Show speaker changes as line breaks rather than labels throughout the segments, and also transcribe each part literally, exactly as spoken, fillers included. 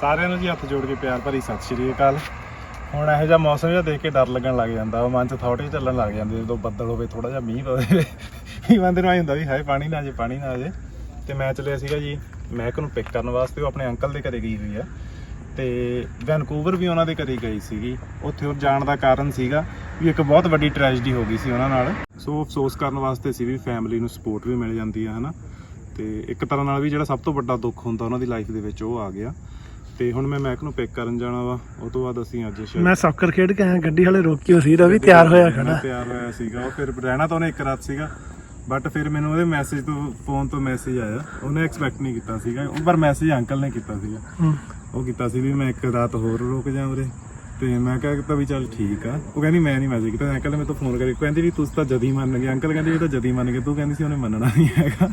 ਸਾਰਿਆਂ ਨੂੰ ਜੀ ਹੱਥ ਜੋੜ ਕੇ ਪਿਆਰ ਭਰੀ ਸਤਿ ਸ਼੍ਰੀ ਅਕਾਲ। ਹੁਣ ਇਹੋ ਜਿਹਾ ਮੌਸਮ ਜਿਹਾ ਦੇਖ ਕੇ ਡਰ ਲੱਗਣ ਲੱਗ ਜਾਂਦਾ ਵਾ, ਮਨ 'ਚ ਥੋਟ ਹੀ ਚੱਲਣ ਲੱਗ ਜਾਂਦੇ ਜਦੋਂ ਬੱਦਲ ਹੋਵੇ, ਥੋੜਾ ਜਿਹਾ ਮੀਂਹ ਪਵੇ। ਵੀ ਬੰਦੇ ਨੂੰ ਆਈ ਹੁੰਦਾ ਵੀ ਹਾਏ ਪਾਣੀ ਨਾ ਆ ਜੇ ਪਾਣੀ ਨਾ ਆ ਜੇ। ਤੇ ਮੈਂ ਚੱਲਿਆ ਸੀਗਾ ਜੀ ਮਹਿਕ ਨੂੰ ਪਿਕ ਕਰਨ ਵਾਸਤੇ, ਉਹ ਆਪਣੇ ਅੰਕਲ ਦੇ ਘਰੇ ਗਈ ਹੋਈ ਆ। ਤੇ ਵੈਨਕੂਵਰ ਵੀ ਉਹਨਾਂ ਦੇ ਘਰੇ ਗਈ ਸੀਗੀ। ਉੱਥੇ ਉਹ ਜਾਣ ਦਾ ਕਾਰਨ ਸੀਗਾ ਵੀ ਇੱਕ ਬਹੁਤ ਵੱਡੀ ਟ੍ਰੈਜਡੀ ਹੋ ਗਈ ਸੀ ਉਹਨਾਂ ਨਾਲ। ਸੋ ਅਫਸੋਸ ਕਰਨ ਵਾਸਤੇ ਸੀ ਵੀ ਫੈਮਿਲੀ ਨੂੰ ਸਪੋਰਟ ਵੀ ਮਿਲ ਜਾਂਦੀ ਆ, ਹੈ ਨਾ। ਤੇ ਇੱਕ ਤਰ੍ਹਾਂ ਨਾਲ ਵੀ ਜਿਹੜਾ ਸਭ ਤੋਂ ਵੱਡਾ ਦੁੱਖ ਹੁੰਦਾ ਉਹਨਾਂ ਦੀ ਲਾਈਫ ਦੇ ਵਿੱਚ ਉਹ ਆ ਗਿਆ। ਤੇ ਹੁਣ ਮੈਂ ਮੈਕ ਨੂੰ ਪਿਕ ਕਰਨ ਜਾਣਾ ਵਾ। ਉਹ ਤੋਂ ਬਾਅਦ ਅਸੀਂ ਅੱਜ
ਮੈਂ ਸੌਕਰ ਖੇਡ ਕੇ ਆਇਆ, ਗੱਡੀ ਵਾਲੇ ਰੋਕਿਓ ਸੀ, ਰਵੀ ਤਿਆਰ ਹੋਇਆ ਖੜਾ
ਤਿਆਰ ਹੋਇਆ ਸੀਗਾ। ਉਹ ਫਿਰ ਰਹਿਣਾ ਤਾਂ ਉਹਨੇ ਇੱਕ ਰਾਤ ਸੀਗਾ, ਬਟ ਫਿਰ ਮੈਨੂੰ ਉਹਦੇ ਮੈਸੇਜ ਤੋਂ ਫੋਨ ਤੋਂ ਮੈਸੇਜ ਆਇਆ। ਉਹਨੇ ਐਕਸਪੈਕਟ ਨਹੀਂ ਕੀਤਾ ਸੀਗਾ, ਪਰ ਮੈਸੇਜ ਅੰਕਲ ਨੇ ਕੀਤਾ ਸੀਗਾ। ਉਹ ਕੀਤਾ ਸੀ ਵੀ ਮੈਂ ਇੱਕ ਰਾਤ ਹੋਰ ਰੁਕ ਜਾ ਉਰੇ। ਤੇ ਮੈਂ ਕਿਹਾ ਤਾਂ ਵੀ ਚੱਲ ਠੀਕ ਆ। ਉਹ ਕਹਿੰਦੀ ਮੈਂ ਨਹੀਂ ਮੈਸੇਜ ਕੀਤਾ। ਅੰਕਲ ਨੇ ਮੇਰੇ ਤੋਂ ਫੋਨ ਕਰੀ, ਕਹਿੰਦੀ ਵੀ ਤੁਸੀਂ ਤਾਂ ਜਦੀ ਮੰਨ ਗਏ। ਅੰਕਲ ਕਹਿੰਦੇ ਇਹ ਤਾਂ ਜਦੀ ਮੰਨ ਗਏ, ਤੂੰ ਕਹਿੰਦੀ ਸੀ ਉਹਨੇ ਮੰਨਣਾ ਨਹੀਂ ਹੈਗਾ।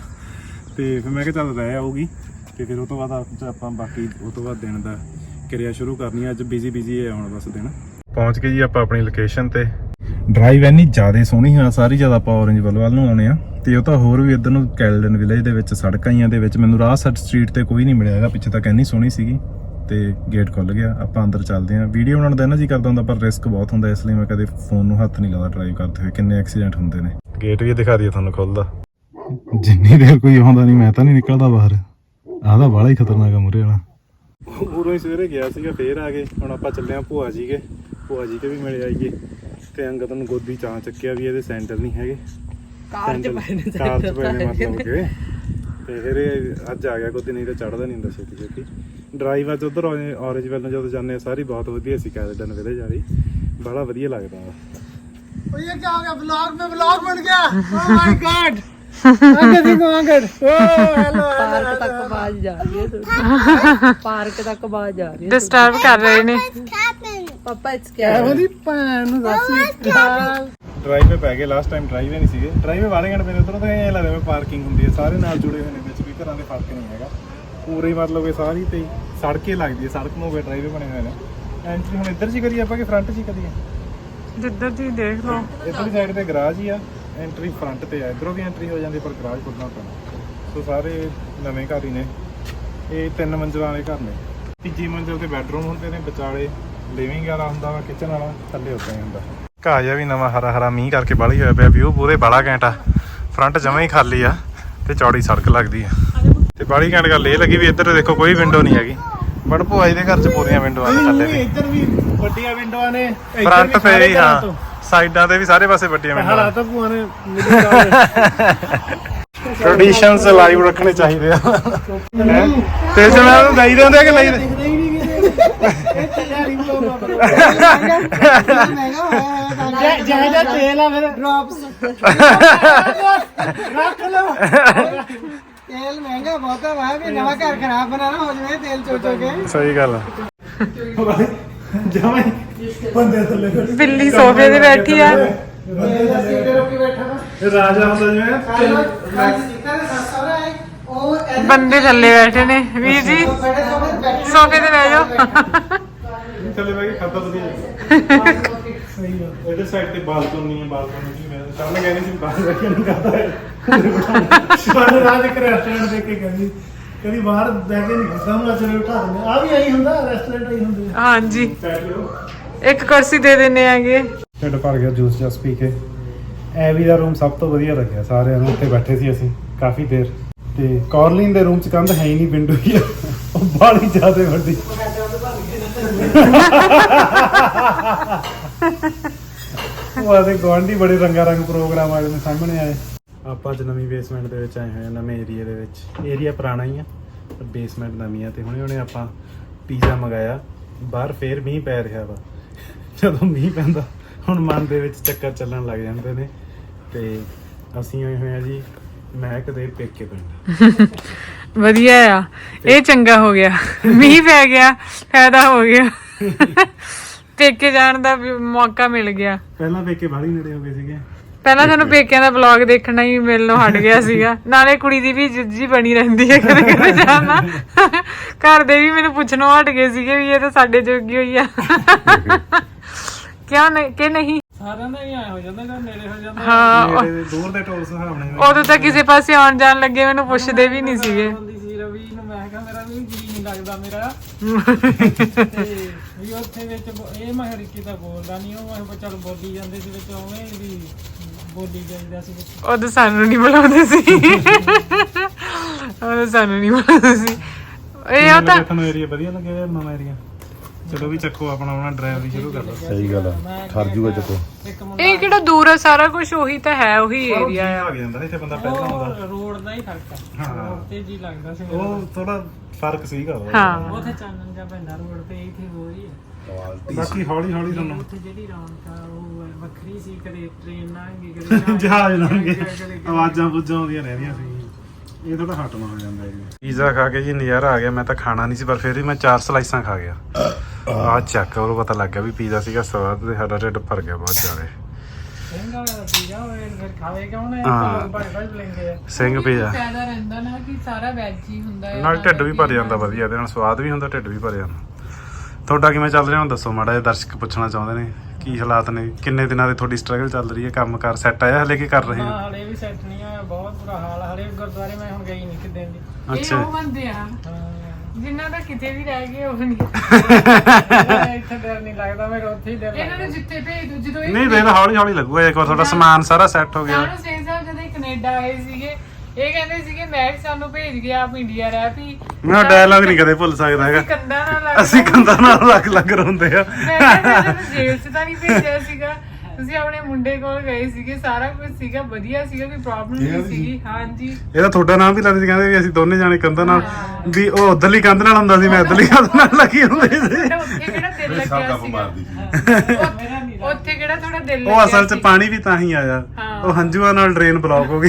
ਤੇ ਫਿਰ ਮੈਂ ਕਿਹਾ ਚੱਲ ਰਹਿ ਆਊਗੀ। ਤੇ ਫਿਰ ਉਹ ਤੋਂ ਬਾਅਦ ਆਪਾਂ ਬਾਕੀ ਉਹ ਤੋਂ ਬਾਅਦ ਦਿਨ ਦਾ ਕਿਰਿਆ ਸ਼ੁਰੂ ਕਰਨੀ ਆ। ਅੱਜ ਬਿਜ਼ੀ ਬਿਜ਼ੀ ਹੈ ਹੁਣ ਬਸ ਦਿਨ। ਪਹੁੰਚ ਗਏ ਜੀ ਆਪਾਂ ਆਪਣੀ ਲੋਕੇਸ਼ਨ ਤੇ। ਡਰਾਈਵ ਇੰਨੀ ਜ਼ਿਆਦਾ ਸੋਹਣੀ ਆ, ਸਾਰੀ ਜ਼ਿਆਦਾ ਆਪਾਂ ਔਰੰਜ ਵੱਲ ਵੱਲ ਨੂੰ ਆਉਣੇ ਆ। ਤੇ ਉਹ ਤਾਂ ਹੋਰ ਵੀ ਇੱਧਰ ਨੂੰ ਕੈਲਡਨ ਵਿਲੇਜ ਦੇ ਵਿੱਚ ਸੜਕਾਂ ਹੀ ਆ ਦੇ ਵਿੱਚ। ਮੈਨੂੰ ਰਾਹ ਸੱਟ ਸਟਰੀਟ ਤੇ ਕੋਈ ਨਹੀਂ ਮਿਲਿਆ ਹੈਗਾ, ਪਿੱਛੇ ਤੱਕ ਇੰਨੀ ਸੋਹਣੀ ਸੀਗੀ। ਤੇ ਗੇਟ ਖੁੱਲ ਗਿਆ, ਆਪਾਂ ਅੰਦਰ ਚੱਲਦੇ ਹਾਂ। ਵੀਡੀਓ ਬਣਾਉਣ ਦਾ ਨਾ ਜੀ ਕਰਦਾ ਹੁੰਦਾ, ਪਰ ਰਿਸਕ ਬਹੁਤ ਹੁੰਦਾ, ਇਸ ਲਈ ਮੈਂ ਕਦੇ ਫੋਨ ਨੂੰ ਹੱਥ ਨਹੀਂ ਲਾਉਂਦਾ ਡਰਾਈਵ ਕਰਦੇ ਹੋਏ। ਕਿੰਨੇ ਐਕਸੀਡੈਂਟ ਹੁੰਦੇ ਨੇ। ਗੇਟ ਵੀ ਦਿਖਾ ਦਈਏ ਤੁਹਾਨੂੰ ਖੁੱਲਦਾ। ਜਿੰਨੀ ਦੇਰ ਕੋਈ ਆਉਂਦਾ ਨਹੀਂ ਮੈਂ ਤਾਂ ਨਹੀਂ ਨਿਕਲਦਾ ਬਾਹਰ। ਆਹ ਤਾਂ ਬਾਹਲਾ ਹੀ ਖਤਰਨਾਕ ਆ ਮੂਹਰੇ ਵਾਲਾ। ਉਰੋਂ ਹੀ ਸਵੇਰੇ ਗਿਆ ਸੀਗਾ, ਫੇਰ ਆ ਗਏ। ਹੁਣ ਆਪਾਂ ਚੱਲੇ ਆ ਭੂਆ ਜੀ ਕੇ, ਭੂਆ ਜੀ ਕੇ ਵੀ ਮਿਲ ਆਈਏ। ਤੇ ਅੰਗਦ ਨੂੰ ਗੋਦੀ ਚਾਂ ਚੱਕਿਆ ਵੀ ਇਹਦੇ ਸੈਂਡਲ ਨਹੀਂ ਹੈਗੇ, ਕਾਰ ਚ ਪਏ ਨੇ, ਕਾਰ ਚ ਪਏ ਨੇ ਮਤਲਬ ਕਿ। ਤੇ ਫਿਰ ਇਹ ਅੱਜ ਆ ਗਿਆ ਗੋਦੀ, ਨਹੀਂ ਤਾਂ ਚੜ੍ਹਦਾ ਨਹੀਂ ਹੁੰਦਾ ਛੇਤੀ ਛੇਤੀ। ਡਰਾਈਵ ਅੱਜ ਉੱਧਰ ਔਰੇਂਜ ਵੱਲ ਨੂੰ ਜਦੋਂ ਜਾਂਦੇ ਆ ਸਾਰੀ ਬਹੁਤ ਵਧੀਆ ਸੀ। ਕੈਲਡਨ ਵਿਲੇਜ ਵਾਲੀ ਬੜਾ ਵਧੀਆ ਲੱਗਦਾ ਵਾ।
ਉਹ ਇਹ ਕੀ ਹੋ ਗਿਆ, ਵਲੌਗ ਮੇਂ ਵਲੌਗ ਬਣ ਗਿਆ। Oh my God, Angad Singh Angad. Oh hello,
park ਤੱਕ ਆਵਾਜ਼ ਜਾ ਰਹੀ ਹੈ। ਪਾਰਕ ਤੱਕ ਆਵਾਜ਼ ਜਾ ਰਹੀ ਹੈ।
ਡਿਸਟਰਬ ਕਰ ਰਹੇ ਨੇ
ਪਾਪਾ ਇਟਸ ਕਿਆ
ਉਹਦੀ ਭੈਣ ਨੂੰ ਦੱਸ ਯਾਰ।
ਡਰਾਈਵ 'ਤੇ ਪੈ ਗਏ, ਲਾਸਟ ਟਾਈਮ ਡਰਾਈਵੇ ਨਹੀਂ ਸੀਗੇ। ਡਰਾਈਵੇ ਵਾਲੇ ਘੰਟੇ ਮੇਰੇ ਉੱਧਰੋਂ ਤਾਂ ਐਂ ਲੱਗਦਾ ਮੈਂ ਪਾਰਕਿੰਗ ਹੁੰਦੀ ਹੈ, ਸਾਰੇ ਨਾਲ ਜੁੜੇ ਹੋਏ ਨੇ, ਵਿੱਚ ਵੀ ਘਰਾਂ ਦੇ ਫਰਕ ਨਹੀਂ ਹੈਗਾ। ਪੂਰੇ ਮਤਲਬ ਕਿ ਸਾਰੀ ਤੇ ਸੜਕੇ ਲੱਗਦੀ ਹੈ, ਸੜਕ ਨੂੰ ਹੋਵੇ ਡਰਾਈਵੇ ਬਣੇ ਹੋਏ ਨੇ। ਐਂਟਰੀ ਹੁਣ ਇੱਧਰ 'ਚ ਹੀ ਕਰੀਏ ਆਪਾਂ ਕਿ ਫਰੰਟ 'ਚ ਹੀ ਕਰੀਏ?
ਜਿੱਧਰ ਦੀ ਦੇਖ ਲਓ।
ਇੱਧਰਲੀ ਸਾਈਡ ਤੇ ਗਰਾਜ ਹੀ ਆ, ਐਂਟਰੀ ਫਰੰਟ ਤੇ ਆ। ਇੱਧਰੋਂ ਵੀ ਐਂਟਰੀ ਹੋ ਜਾਂਦੀ, ਪਰ ਗਰਾਜ ਖੁੱਲ੍ਹਣਾ ਪੈਣਾ। ਸੋ ਸਾਰੇ ਨਵੇਂ ਘਰ ਹੀ ਨੇ। ਇਹ ਤਿੰਨ ਮੰਜ਼ਿਲਾਂ ਵਾਲੇ ਘਰ ਨੇ। ਤੀਜੀ ਮੰਜ਼ਿਲ ਤੇ ਬੈਡਰੂਮ ਹੁੰਦੇ ਨੇ, ਵਿਚਾਲੇ ਲਿਵਿੰਗ ਵਾਲਾ ਹੁੰਦਾ ਵਾ, ਕਿਚਨ ਵਾਲਾ ਥੱਲੇ ਉੱਤੇ ਹੁੰਦਾ। ਘਾਹ ਜਿਹਾ ਵੀ ਨਵਾਂ ਹਰਾ ਹਰਾ ਮੀਂਹ ਕਰਕੇ ਬਾਹਲੀ ਹੋਇਆ ਪਿਆ। ਵਿਊ ਪੂਰੇ ਬਾਲਾ ਘੈਂਟਾ। ਫਰੰਟ ਜਮਾਂ ਹੀ ਖਾਲੀ ਆ ਤੇ ਚੌੜੀ ਸੜਕ ਲੱਗਦੀ ਆ। ਤੇ ਬਾਹਲੀ ਘੈਂਟ ਗੱਲ ਇਹ ਲੱਗੀ ਵੀ ਇੱਧਰ ਦੇਖੋ ਕੋਈ ਵਿੰਡੋ ਨਹੀਂ ਹੈਗੀ, ਬਟ ਭੂਆ ਜੀ ਦੇ ਘਰ 'ਚ ਪੂਰੀਆਂ ਵਿੰਡੋਆਂ ਨੇ। ਥੱਲੇ ਵੀ
ਇੱਧਰ ਵੀ ਵੱਡੀਆਂ ਵਿੰਡੋਆਂ ਨੇ,
ਫਰੰਟ ਤੇ ਵੀ, ਹਾਂ ਸਾਈਡਾਂ ਤੇ ਵੀ ਸਾਰੇ ਪਾਸੇ ਵੱਡੀਆਂ ਵਿੰਡੋਆਂ।
ਹਾਲਾਤ ਤਾਂ ਭੂਆ ਨੇ
ਟ੍ਰੈਡੀਸ਼ਨਸ ਲਾਈਵ ਰੱਖਣੇ ਚਾਹੀਦੇ ਆ। ਤੇ ਜਣਾ ਨੂੰ ਦਈ ਦੇ ਹੁੰਦੇ ਕਿ ਨਹੀਂ?
ਦਿਖਦੇ ਹੀ ਨਹੀਂ ਕਿਤੇ। ਇਹ ਚੱਲਿਆ ਨਹੀਂ ਬਲੌਗ ਮਹਿੰਗਾ ਹੋਇਆ ਜਿਹੜਾ ਜਿਹੜਾ ਤੇਲ ਆ ਫਿਰ ਡ੍ਰੌਪਸ ਰੱਖ ਲਓ। ਤੇਲ ਮਹਿੰਗਾ ਬਹੁਤ ਆ ਵੀ ਨਵਾਂ ਘਰ ਖਰਾਬ ਬਣਾਣਾ ਹੋ ਜਾਵੇ ਤੇਲ ਚੋ ਚੋ ਕੇ।
ਸਹੀ ਗੱਲ ਆ। ਜਮਾਂ ਬੰਦੇ ਥੱਲੇ
ਬਿੱਲੀ ਸੋਫੇ ਤੇ ਬੈਠੀ ਆ।
ਰਾਜਾ ਹੁੰਦਾ ਜਿਵੇਂ
ਬੰਦੇ ਥੱਲੇ ਬੈਠੇ ਨੇ। ਵੀਰ ਜੀ ਸੋਫੇ ਤੇ ਬਹਿ ਜਾਓ।
ਥੱਲੇ ਬੈ ਕੇ ਖਾਤਾ ਵਧੀਆ। ਸਹੀ ਆ। ਇਹਦੇ ਸਾਈਡ ਤੇ ਬਾਲਕਨੀ ਹੈ, ਬਾਲਕਨੀ ਜੀ ਮੈਂ ਸਾਹਮਣੇ ਕਹਿੰਦੀ ਸੀ ਬਾਹਰ ਬੈਠ ਕੇ ਨਹੀਂ ਕਰਦਾ ਹੈ।
ਸ਼ਾਨ ਰਾਜ ਇੱਕ ਰੈਸਟੋਰੈਂਟ ਦੇਖ ਕੇ ਕਹਿੰਦੀ ਕਹਿੰਦੀ ਬਾਹਰ ਬਹਿ ਕੇ ਨਹੀਂ ਕਰਦਾ, ਮੈਂ ਚਲੇ ਉਠਾ ਦਿੰਦੇ ਆ। ਵੀ ਆਈ ਹੁੰਦਾ, ਰੈਸਟੋਰੈਂਟ ਆਈ ਹੁੰਦੇ।
ਹਾਂਜੀ, ਇੱਕ ਕੁਰਸੀ ਦੇ ਦਿੰਨੇ ਆਗੇ।
ਢਿੱਡ ਭਰ ਗਿਆ ਜੂਸ ਜਸ ਪੀ ਕੇ। ਐਵੀ ਦਾ ਰੂਮ ਸਭ ਤੋਂ ਵਧੀਆ ਲੱਗਿਆ ਸਾਰਿਆਂ ਨੂੰ। ਉੱਥੇ ਬੈਠੇ ਸੀ ਅਸੀਂ ਕਾਫੀ ਦੇਰ। ਤੇ ਕੌਰਲਿਨ ਦੇ ਰੂਮ 'ਚ ਕੰਧ ਹੈ ਹੀ ਨਹੀਂ, ਵਿੰਡੋ ਹੀ ਆ, ਉਹ ਬਾਹਲੀ ਜ਼ਿਆਦਾ ਵੱਡੀ। ਉਹ ਆਦੇ ਗੁਆਂਢੀ ਬੜੇ ਰੰਗਾ ਰੰਗ ਪ੍ਰੋਗਰਾਮ ਵਾਲੇ ਨੇ ਸਾਹਮਣੇ ਆਏ। ਆਪਾਂ ਅੱਜ ਨਵੀਂ ਬੇਸਮੈਂਟ ਦੇ ਵਿੱਚ ਆਏ ਹੋਏ ਹਾਂ, ਨਵੇਂ ਏਰੀਆ ਦੇ ਵਿੱਚ। ਏਰੀਆ ਪੁਰਾਣਾ ਹੀ ਆ ਪਰ ਬੇਸਮੈਂਟ ਨਵੀਂ ਆ। ਤੇ ਹੁਣੇ ਹੁਣੇ ਆਪਾਂ ਪੀਜ਼ਾ ਮੰਗਾਇਆ। ਬਾਹਰ ਫੇਰ ਮੀਂਹ ਪੈ ਰਿਹਾ ਵਾ। ਜਦੋਂ ਮੀਂਹ ਪੈਂਦਾ ਹੁਣ ਮਨ ਦੇ ਵਿੱਚ ਚੱਕਰ ਚੱਲਣ ਲੱਗ ਜਾਂਦੇ ਨੇ। ਤੇ ਅਸੀਂ ਆਏ ਹੋਏ ਆ ਜੀ ਮਹਿਕ ਦੇ ਪੇਕੇ ਪਿੰਡ।
ਵਧੀਆ ਆ, ਇਹ ਚੰਗਾ ਹੋ ਗਿਆ। ਮੀਂਹ ਪੈ ਗਿਆ, ਫਾਇਦਾ ਹੋ ਗਿਆ। ਪੇਕੇ ਜਾਣ ਦਾ ਮੌਕਾ ਮਿਲ ਗਿਆ।
ਪਹਿਲਾਂ ਪੇਕੇ ਬਾਹਲੀ ਨੇੜੇ ਹੋ ਗਏ ਸੀਗੇ।
ਪਹਿਲਾਂ ਸਾਨੂੰ ਪੇਕਿਆਂ ਦਾ ਵਲੌਗ ਦੇਖਣਾ ਹੀ ਮਿਲਣੋਂ ਹਟ ਗਿਆ ਸੀਗਾ। ਨਾਲੇ ਕੁੜੀ ਦੀ ਵੀ ਜਿੱਜੀ ਬਣੀ ਰਹਿੰਦੀ ਹੈ ਕਦੇ ਕਦੇ ਜਾਣਾ। ਘਰ ਦੇ ਵੀ ਮੈਨੂੰ ਪੁੱਛਣੋਂ ਹਟ ਗਏ ਸੀਗੇ ਵੀ ਇਹ ਤਾਂ ਸਾਡੇ ਜੋਗੀ ਹੋਈ ਆ। ਕਿਉਂ ਨਹੀਂ ਕਿ ਨਹੀਂ?
ਸਾਰਿਆਂ ਦਾ ਹੀ ਆਇਆ ਹੋ ਜਾਂਦਾ ਜਦੋਂ ਨੇੜੇ ਹੋ ਜਾਂਦਾ।
ਹਾਂ,
ਦੂਰ ਦੇ ਟੋਲ ਸੁਹਾਵਣੇ।
ਉਦੋਂ ਤਾਂ ਕਿਸੇ ਪਾਸੇ ਆਉਣ ਜਾਣ ਲੱਗੇ ਮੈਨੂੰ ਪੁੱਛਦੇ ਵੀ ਨਹੀਂ ਸੀਗੇ।
ਰਵੀ ਨੂੰ ਮੈਂ ਕਿਹਾ ਮੇਰਾ ਵੀ ਜੀ ਨਹੀਂ ਲੱਗਦਾ ਮੇਰਾ ਤੇ ਵੀ ਉੱਥੇ ਵਿੱਚ ਬੋ- ਇਹ ਮੈਂ ਰਿੱਕੀ ਤਾਂ ਬੋਲਦਾ ਨਹੀਂ ਉਹ ਮੈਂ ਕਿਹਾ ਚੱਲ ਬੋਲੀ ਜਾਂਦੇ ਸੀ ਵਿੱਚ ਉਵੇਂ ਵੀ ਬੋਲੀ ਜਾਈਦਾ ਸੀ ਵਿੱਚ
ਉਦੋਂ ਸਾਨੂੰ ਨਹੀਂ ਬੁਲਾਉਂਦੇ ਸੀ ਉਦੋਂ ਸਾਨੂੰ ਨਹੀਂ ਬੁਲਾਉਂਦੇ ਸੀ ਇਹ ਉਹ ਤਾਂ
ਤੁਹਾਨੂੰ ਏਰੀਆ ਵਧੀਆ ਲੱਗਿਆ ਯਾਰ ਨਵਾਂ ਏਰੀਆ ਚਲੋ ਵੀ ਚੱਕੋ ਆਪਣਾ ਆਪਣਾ ਡਰਾਈਵਰੀ ਸ਼ੁਰੂ ਕਰ ਲਓ
ਸਹੀ ਗੱਲ ਆ ਠਰ ਜੂਗਾ ਚੱਕੋ
ਇੱਕ ਮੁੰਡਾ
ਇਹ ਕਿਹੜਾ ਦੂਰ ਆ ਸਾਰਾ ਕੁਝ ਉਹੀ ਤਾਂ ਹੈ ਉਹੀ ਏਰੀਆ ਆ
ਆ ਜਾਂਦਾ ਇੱਥੇ ਬੰਦਾ ਪਹਿਲਾਂ ਆਉਂਦਾ
ਉਹ ਰੋਡ ਦਾ ਹੀ ਫਰਕ ਆ
ਹਾਂ।
ਰੋਡ ਤੇ ਜੀ ਲੱਗਦਾ ਸੀ ਮੇਰਾ।
ਉਹ ਥੋੜਾ ਫਰਕ ਸੀਗਾ ਉਹਦਾ।
ਹਾਂ
ਉੱਥੇ ਚਾਨਣ ਜਾਂ ਪੈਂਦਾ ਰੋਡ ਤੇ ਇੱਥੇ ਹੋ ਰਹੀ ਹੈ
ਬਾਕੀ ਹੌਲੀ ਹੌਲੀ ਤੁਹਾਨੂੰ
ਉੱਥੇ ਜਿਹੜੀ ਰੌਣਕ ਆ ਉਹ ਵੱਖਰੀ ਸੀ ਕਦੇ ਟ੍ਰੇਨ ਲੰਘ ਗਈ ਕਦੇ
ਜਹਾਜ਼ ਲੰਘੇ
ਕਦੇ-
ਆਵਾਜ਼ਾਂ ਬੁੱਝਾਂ ਆਉਂਦੀਆਂ ਰਹਿੰਦੀਆਂ ਸੀ ਇਹ ਥੋੜਾ ਹਟਵਾ ਹੋ ਜਾਂਦਾ ਹੈ ਪੀਜ਼ਾ ਖਾ ਕੇ ਜੀ ਨਜ਼ਾਰਾ ਆ ਗਿਆ ਮੈਂ ਤਾਂ ਖਾਣਾ ਨਹੀਂ ਸੀ ਪਰ ਫਿਰ ਵੀ ਮੈਂ ਚਾਰ ਸਲਾਈਸਾਂ ਖਾ ਗਿਆ ਆਹ ਚੱਕ ਉਹਨੂੰ ਪਤਾ ਲੱਗ ਗਿਆ ਵੀ ਪੀਜ਼ਾ ਸੀਗਾ ਸਵਾਦ ਤੇ ਸਾਡਾ ਢਿੱਡ ਭਰ ਗਿਆ ਬਹੁਤ ਜ਼ਿਆਦਾ
ਸਿੰਘ ਵਾਲਾ ਪੀਜ਼ਾ ਹੋਏ ਫਿਰ ਖਾਵੇ ਕਿਉਂ ਨਾ
ਹਾਂ।
ਲੋਕ ਭਾਈ ਭਾਈ ਲੈਂਦੇ ਆ
ਸਿੰਘ ਪੀਜ਼ਾ
ਫਾਇਦਾ ਰਹਿੰਦਾ ਨਾ ਕਿ ਸਾਰਾ ਵੈਜ ਹੀ ਹੁੰਦਾ ਹੈ
ਨਾਲ ਢਿੱਡ ਵੀ ਭਰ ਜਾਂਦਾ ਵਧੀਆ ਇਹਦੇ ਨਾਲ ਸਵਾਦ ਵੀ ਹੁੰਦਾ ਢਿੱਡ ਵੀ ਭਰ ਜਾਂਦਾ ਤੁਹਾਡਾ ਕਿਵੇਂ ਚੱਲ ਰਿਹਾ ਹੁਣ ਦੱਸੋ ਮਾੜਾ ਜਿਹਾ ਦਰਸ਼ਕ ਪੁੱਛਣਾ ਚਾਹੁੰਦੇ ਨੇ ਕੀ ਹਾਲਾਤ ਨੇ ਕਿੰਨੇ ਦਿਨਾਂ ਦੀ ਤੁਹਾਡੀ ਸਟਰਗਲ ਚੱਲ ਰਹੀ ਹੈ ਕੰਮ ਕਾਰ ਸੈੱਟ ਆਇਆ ਹਲੇ ਕੀ ਕਰ ਰਹੇ ਹੋ
ਹਾਂ ਹਲੇ ਵੀ ਸੈੱਟ ਨਹੀਂ ਆ ਬਹੁਤ ਬੁਰਾ ਹਾਲ ਆ। ਹਲੇ ਗੁਰਦੁਆਰੇ ਮੈਂ ਹੁਣ ਗਈ ਨਹੀਂ ਕਿਤੇ ਦੀ
ਇਹ
ਅੱਛਾ
ਉਹ ਬੰਦੇ ਆ
ਹਾਂ
ਜਿਨ੍ਹਾਂ ਦਾ ਕਿਤੇ ਵੀ ਰਹਿ ਗਏ ਉਹ ਨਹੀਂ
ਇੱਥੇ ਡਰ ਨਹੀਂ ਲੱਗਦਾ ਮੇਰੇ ਉੱਥੇ ਹੀ ਡਰ
ਇਹਨਾਂ
ਲੱਗਦਾ
ਨੂੰ ਜਿੱਥੇ ਭੇਜ ਦੋ ਜਦੋਂ ਇਹ
ਨਹੀਂ ਵੇਖ ਹੌਲੀ ਹੌਲੀ ਲੱਗੂਗਾ ਇੱਕ ਵਾਰ ਤੁਹਾਡਾ ਸਮਾਨ ਸਾਰਾ ਸੈੱਟ ਹੋ ਗਿਆ
ਸਾਨੂੰ ਸਿੰਘ ਸਾਹਿਬ ਜਦੋਂ ਇਹ ਕੈਨੇਡਾ ਆਏ ਸੀਗੇ ਇਹ ਕਹਿੰਦੇ ਸੀਗੇ ਮੈਂ ਵੀ ਸਾਨੂੰ ਭੇਜ ਗਿਆ ਆਪ ਇੰਡੀਆ ਰਹਿ ਪਈ
ਮੈਂ ਡਾਇਲੌਗ ਨਹੀਂ ਕਦੇ ਭੁੱਲ ਸਕਦਾ ਹੈਗਾ
ਕੰਦਾ ਨਾਲ ਲੱਗ
ਅਸੀਂ ਕੰਧਾਂ ਨਾਲ ਲੱਗ ਲੱਗ ਰੋਂਦੇ ਆ
ਮੈਂ ਕਿਹਾ ਤੁਹਾਨੂੰ ਜੇਲ੍ਹ 'ਚ ਤਾਂ ਨਹੀਂ ਭੇਜਿਆ ਸੀਗਾ ਤੁਸੀਂ ਆਪਣੇ ਮੁੰਡੇ ਕੋਲ ਗਏ ਸੀਗੇ ਸਾਰਾ ਕੁਝ ਸੀਗਾ ਵਧੀਆ ਸੀਗਾ ਕੋਈ ਪ੍ਰੋਬਲਮ ਨਹੀਂ ਸੀਗੀ ਹਾਂਜੀ
ਇਹਦਾ ਤੁਹਾਡਾ ਨਾਮ ਵੀ ਲੈਂਦੇ ਸੀ ਕਹਿੰਦੇ ਵੀ ਅਸੀਂ ਦੋਨੇ ਜਾਣੇ ਕੰਧਾਂ ਨਾਲ ਵੀ ਉਹ ਉਧਰਲੀ ਕੰਧ ਨਾਲ ਹੁੰਦਾ ਸੀ ਮੈਂ ਇਧਰਲੀ ਕੰਧ ਨਾਲ ਲੱਗੀ ਹੁੰਦੀ ਸੀ
ਤੁਹਾਡਾ ਉੱਥੇ ਕਿਹੜਾ ਦਿਲ
ਸਭ
ਲੱਗਿਆ
ਕਾਬੂ
ਸੀਗਾ
ਮਾਰਦੀ ਸੀ
ਮੇਰਾ ਨਹੀਂ
ਉੱਥੇ ਕਿਹੜਾ ਤੁਹਾਡਾ ਦਿਲ
ਉਹ ਅਸਲ 'ਚ ਪਾਣੀ ਵੀ ਤਾਂ ਹੀ ਆਇਆ
ਹਾਂ।
ਉਹ ਹੰਝੂਆਂ ਨਾਲ ਡਰੇਨ ਬਲੌਕ ਹੋ ਗਈ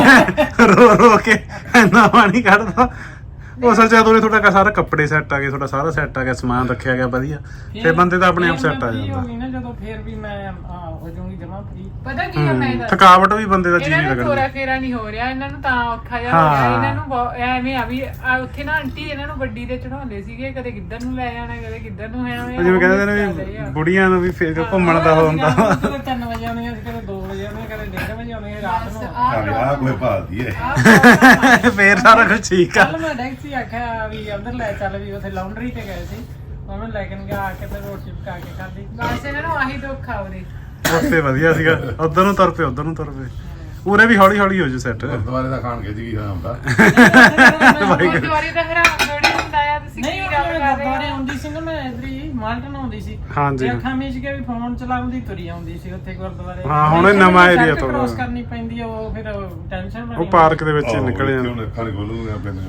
ਰੋ ਰੋ ਕੇ ਇੰਨਾ ਪਾਣੀ ਕੱਢਦਾ ਉਹ ਅਸਲ 'ਚ ਉਹਨੇ ਤੁਹਾਡਾ ਸਾਰਾ ਕੱਪੜੇ ਸੈੱਟ ਆ ਗਏ ਤੁਹਾਡਾ ਸਾਰਾ ਸੈੱਟ ਆ ਗਿਆ ਸਮਾਨ ਰੱਖਿਆ ਗਿਆ ਵਧੀਆ ਫਿਰ ਬੰਦੇ ਤਾਂ ਆਪਣੇ ਆਪ
ਫਿਰ
ਸੈੱਟ ਆ
ਮੈਂ free
ਜਾਂਦਾ
ਹੋ ਗਈ ਨਾ ਜਦੋਂ ਫਿਰ ਵੀ ਮੈਂ ਆ, ਹੋ ਜਾਊਂਗੀ ਜਮਾ ਫ੍ਰੀ
ਪਤਾ ਕੀ ਆ ਮੈਂ ਦੱਸ
ਥਕਾਵਟ ਵੀ ਬੰਦੇ ਦਾ ਜੀ
ਇਹਨਾਂ
ਨਹੀਂ
ਨੂੰ ਤੋਰਾ
ਲੱਗਦਾ
ਫੇਰਾ ਨਹੀਂ ਹੋ ਰਿਹਾ ਇਹਨਾਂ ਨੂੰ ਤਾਂ ਔਖਾ ਜਿਹਾ ਹੋ ਰਿਹਾ
ਹਾਂ।
ਇਹਨਾਂ ਨੂੰ ਬਹੁ- ਐਵੇਂ ਆ ਵੀ ਆ ਉੱਥੇ ਨਾ ਆਂਟੀ ਇਹਨਾਂ ਨੂੰ ਗੱਡੀ ਤੇ ਚੜਾਉਂਦੇ ਸੀਗੇ ਕਦੇ ਕਿੱਧਰ ਨੂੰ ਲੈ ਜਾਣਾ ਕਦੇ ਕਿੱਧਰ ਨੂੰ ਐਵੇਂ
ਜਿਵੇਂ ਕਹਿੰਦੇ ਨੇ ਵੀ ਬੁੜੀਆਂ ਨੂੰ ਵੀ ਫੇਰ ਘੁੰਮਣ ਦਾ ਹੁੰਦਾ
ਕਦੇ ਤਿੰਨ ਵਜੇ ਆਉਂਦੀਆਂ ਸੀ ਕਦੇ ਦੋ ਵਜੇ ਆਉਂਦੀਆਂ ਕਦੇ ਡੇਢ ਵਜੇ ਆਉਂਦੀਆਂ ਰਾਤ ਨੂੰ
ਆ ਕੋਈ ਭਾਲਦੀ ਹੈ
ਫੇਰ ਸਾਰਾ ਕੁਝ ਠੀਕ ਆ
ਕੱਲ ਮੈਂ ਟੈਕਸੀ ਆਖਿਆ ਵੀ ਅੰਦਰ ਲੈ ਚੱਲ ਵੀ ਉੱਥੇ ਲਾਉਂਡਰੀ ਤੇ ਗਏ ਸੀ ਉਹਨੂੰ ਲੈ ਕੇ ਗਿਆ ਆ ਕੇ ਤੇ ਰੋਟੀ ਪਕਾ ਕੇ ਖਾਧੀ
ਬਸ ਇਹਨਾਂ ਨੂੰ ਆਹੀ ਦੁੱਖ ਆ ਉਹਦੇ
ਉੱਥੇ ਵਧੀਆ ਸੀਗਾ ਉਧਰ ਨੂੰ ਤੁਰ ਪਏ ਉਧਰ ਨੂੰ ਤੁਰ ਪਏ ਉਰੇ ਵੀ ਹੌਲੀ ਹੌਲੀ ਹੋ ਜੂ ਸੈੱਟ
ਗੁਰਦੁਆਰੇ ਦਾ ਖਾਣ ਖਿੱਚ ਗਈ ਹੁੰਦਾ
ਗੁਰਦੁਆਰੇ ਦਾ ਹਰਾਮ ਥੋੜੀ ਹੁੰਦਾ ਆ ਤੁਸੀਂ
ਨਹੀਂ
ਕੀ
ਉਹ
ਗੱਲ ਕਰ ਰਹੇ
ਗੁਰਦੁਆਰੇ
ਹੋ
ਆਉਂਦੀ ਸੀ ਨਾ ਮੈਂ ਇਧਰ ਹੀ ਮਾਲਟਨ ਆਉਂਦੀ ਸੀ
ਹਾਂਜੀ।
ਤੇ ਅੱਖਾਂ ਮੀਚ ਕੇ ਵੀ ਫੋਨ ਚਲਾਉਂਦੀ ਤੁਰੀ ਆਉਂਦੀ ਸੀ ਉੱਥੇ ਗੁਰਦੁਆਰੇ
ਹਾਂ, ਹੁਣ ਇਹ ਨਵਾਂ area ਤੋਂ
ਕ੍ਰੋਸ ਕਰਨੀ ਪੈਂਦੀ ਆ ਉਹ ਫਿਰ ਟੈਨਸ਼ਨ ਬਣੀ
ਉਹ ਪਾਰਕ ਦੇ ਵਿੱਚ ਹੀ ਨਿਕਲ ਜਾਂਦਾ
ਉਹਨੇ ਅੱਖਾਂ ਨਹੀਂ ਖੋਲੂਗੇ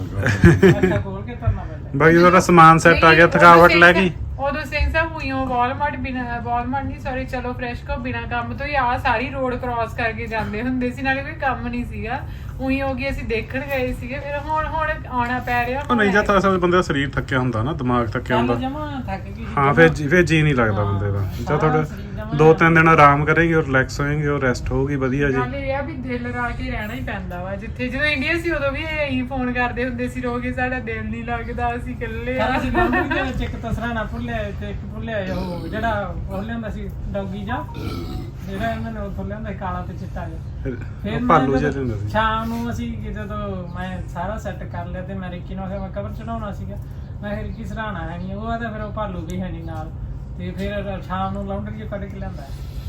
ਆਪਣੇ
ਅੱਖਾਂ ਖੋਲ ਕੇ ਤੁਰਨਾ ਪੈਂਦਾ
ਬਾਕੀ ਤੁਹਾਡਾ ਸਮਾਨ ਸੈੱਟ ਆ ਗਿਆ
ਨਹੀਂ,
ਥਕਾਵਟ
ਉਦੋਂ
ਲੈ
ਸਿੰਘ-
ਗਈ
ਉਦੋਂ ਸਿੰਘ ਸਾਹਿਬ ਹੋਈਓ ਵਾਲਮਾਰਟ ਬਿਨਾ ਵਾਲਮਾਰਟ ਨਹੀਂ ਸੌਰੀ ਚਲੋ ਫਰੈਸ਼ ਕੋ ਬਿਨਾ ਕੰਮ ਤੋਂ ਹੀ ਆ ਸਾਰੀ ਰੋਡ ਕ੍ਰਾਸ ਕਰਕੇ ਜਾਂਦੇ ਹੁੰਦੇ ਸੀ ਨਾਲੇ ਕੋਈ ਕੰਮ ਨਹੀਂ ਸੀਗਾ ਉਹੀ ਹੋ ਗਈ ਅਸੀਂ ਦੇਖਣ ਗਏ ਸੀਗੇ ਫਿਰ ਹੁਣ ਹੁਣ ਆਉਣਾ ਪੈ ਰਿਹਾ
ਉਹ ਨਹੀਂ ਜਾਂ ਤਾਂ ਅਸਲ ਬੰਦੇ ਦਾ ਸਰੀਰ ਥੱਕਿਆ ਹੁੰਦਾ ਨਾ ਦਿਮਾਗ ਥੱਕਿਆ
ਕੱਲ
ਹੁੰਦਾ
ਜਮਾ ਥੱਕ ਗਈ ਸੀ
ਹਾਂ ਫਿਰ ਜੀ- ਫਿਰ ਜੀ ਨਹੀਂ ਲੱਗਦਾ ਬੰਦੇ ਦਾ ਜਾਂ ਤੁਹਾਡਾ ਦੋ ਤਿੰਨ ਦਿਨ ਆਰਾਮ ਕਰੇਗੀ ਔਰ ਰਿਲੈਕਸ ਹੋਏਗੀ ਔਰ ਰੈਸਟ ਹੋਊਗੀ ਵਧੀਆ ਜੀ
ਨਾਲੇ ਇਹ ਆ ਵੀ ਦਿਲ ਲਾ ਕੇ ਰਹਿਣਾ ਹੀ ਪੈਂਦਾ ਵਾ ਜਿੱਥੇ ਜਦੋਂ ਇੰਡੀਆ ਸੀ ਉਦੋਂ ਵੀ ਇਹੀ ਫੋਨ ਕਰਦੇ ਹੁੰਦੇ ਸੀ ਰੋਗੇ ਸਾਡਾ ਦਿਲ ਨਹੀਂ ਲੱਗਦਾ ਅਸੀਂ ਇਕੱਲੇ ਆ
ਸਾਰਾ ਸੀ ਲਾਉਂਡਰੀ ਦੇ ਵਿੱਚ ਇੱਕ ਤਸਰਾਣਾ ਭੁੱਲਿਆ ਤੇ ਇੱਕ ਭੁੱਲਿਆ ਉਹ ਜਿਹੜਾ ਉਹ ਲਿਆਂਦਾ ਸੀ ਡੌਗੀ ਜਾ ਜਿਹੜਾ ਇਹਨਾਂ ਨੇ ਉਹ ਲਿਆਂਦਾ ਸੀ ਕਾਲਾ ਤੇ ਚਿੱਟਾ ਜਿਹਾ
ਫਿਰ
ਫਿਰ
ਉਹ ਭਾਲੂ
ਮੈਂ
ਜਿਹਾ
ਜਦੋਂ
ਹੁੰਦਾ ਸੀ
ਸ਼ਾਮ ਨੂੰ ਅਸੀਂ ਜਦੋਂ ਮੈਂ ਸਾਰਾ ਸੈੱਟ ਕਰ ਲਿਆ ਤੇ ਮੈਂ ਰਿੱਕੀ ਨੂੰ ਆਖਿਆ ਮੈਂ ਕਵਰ ਚੜਾਉਣਾ ਸੀਗਾ ਮੈਂ ਕਿਹਾ ਰਿੱਕੀ ਸਰਾਣਾ ਹੈ ਨਹੀਂ ਉਹ ਆਦਾ ਫਿਰ ਉਹ ਭਾਲੂ ਵੀ ਹੈ ਨਹੀਂ ਨਾਲ ਤੇ ਫਿਰ ਸ਼ਾਮ ਨੂੰ ਲਾਉਂਡਰੀ ਚ ਕੱਢ ਕੇ ਲਿਆਂਦਾ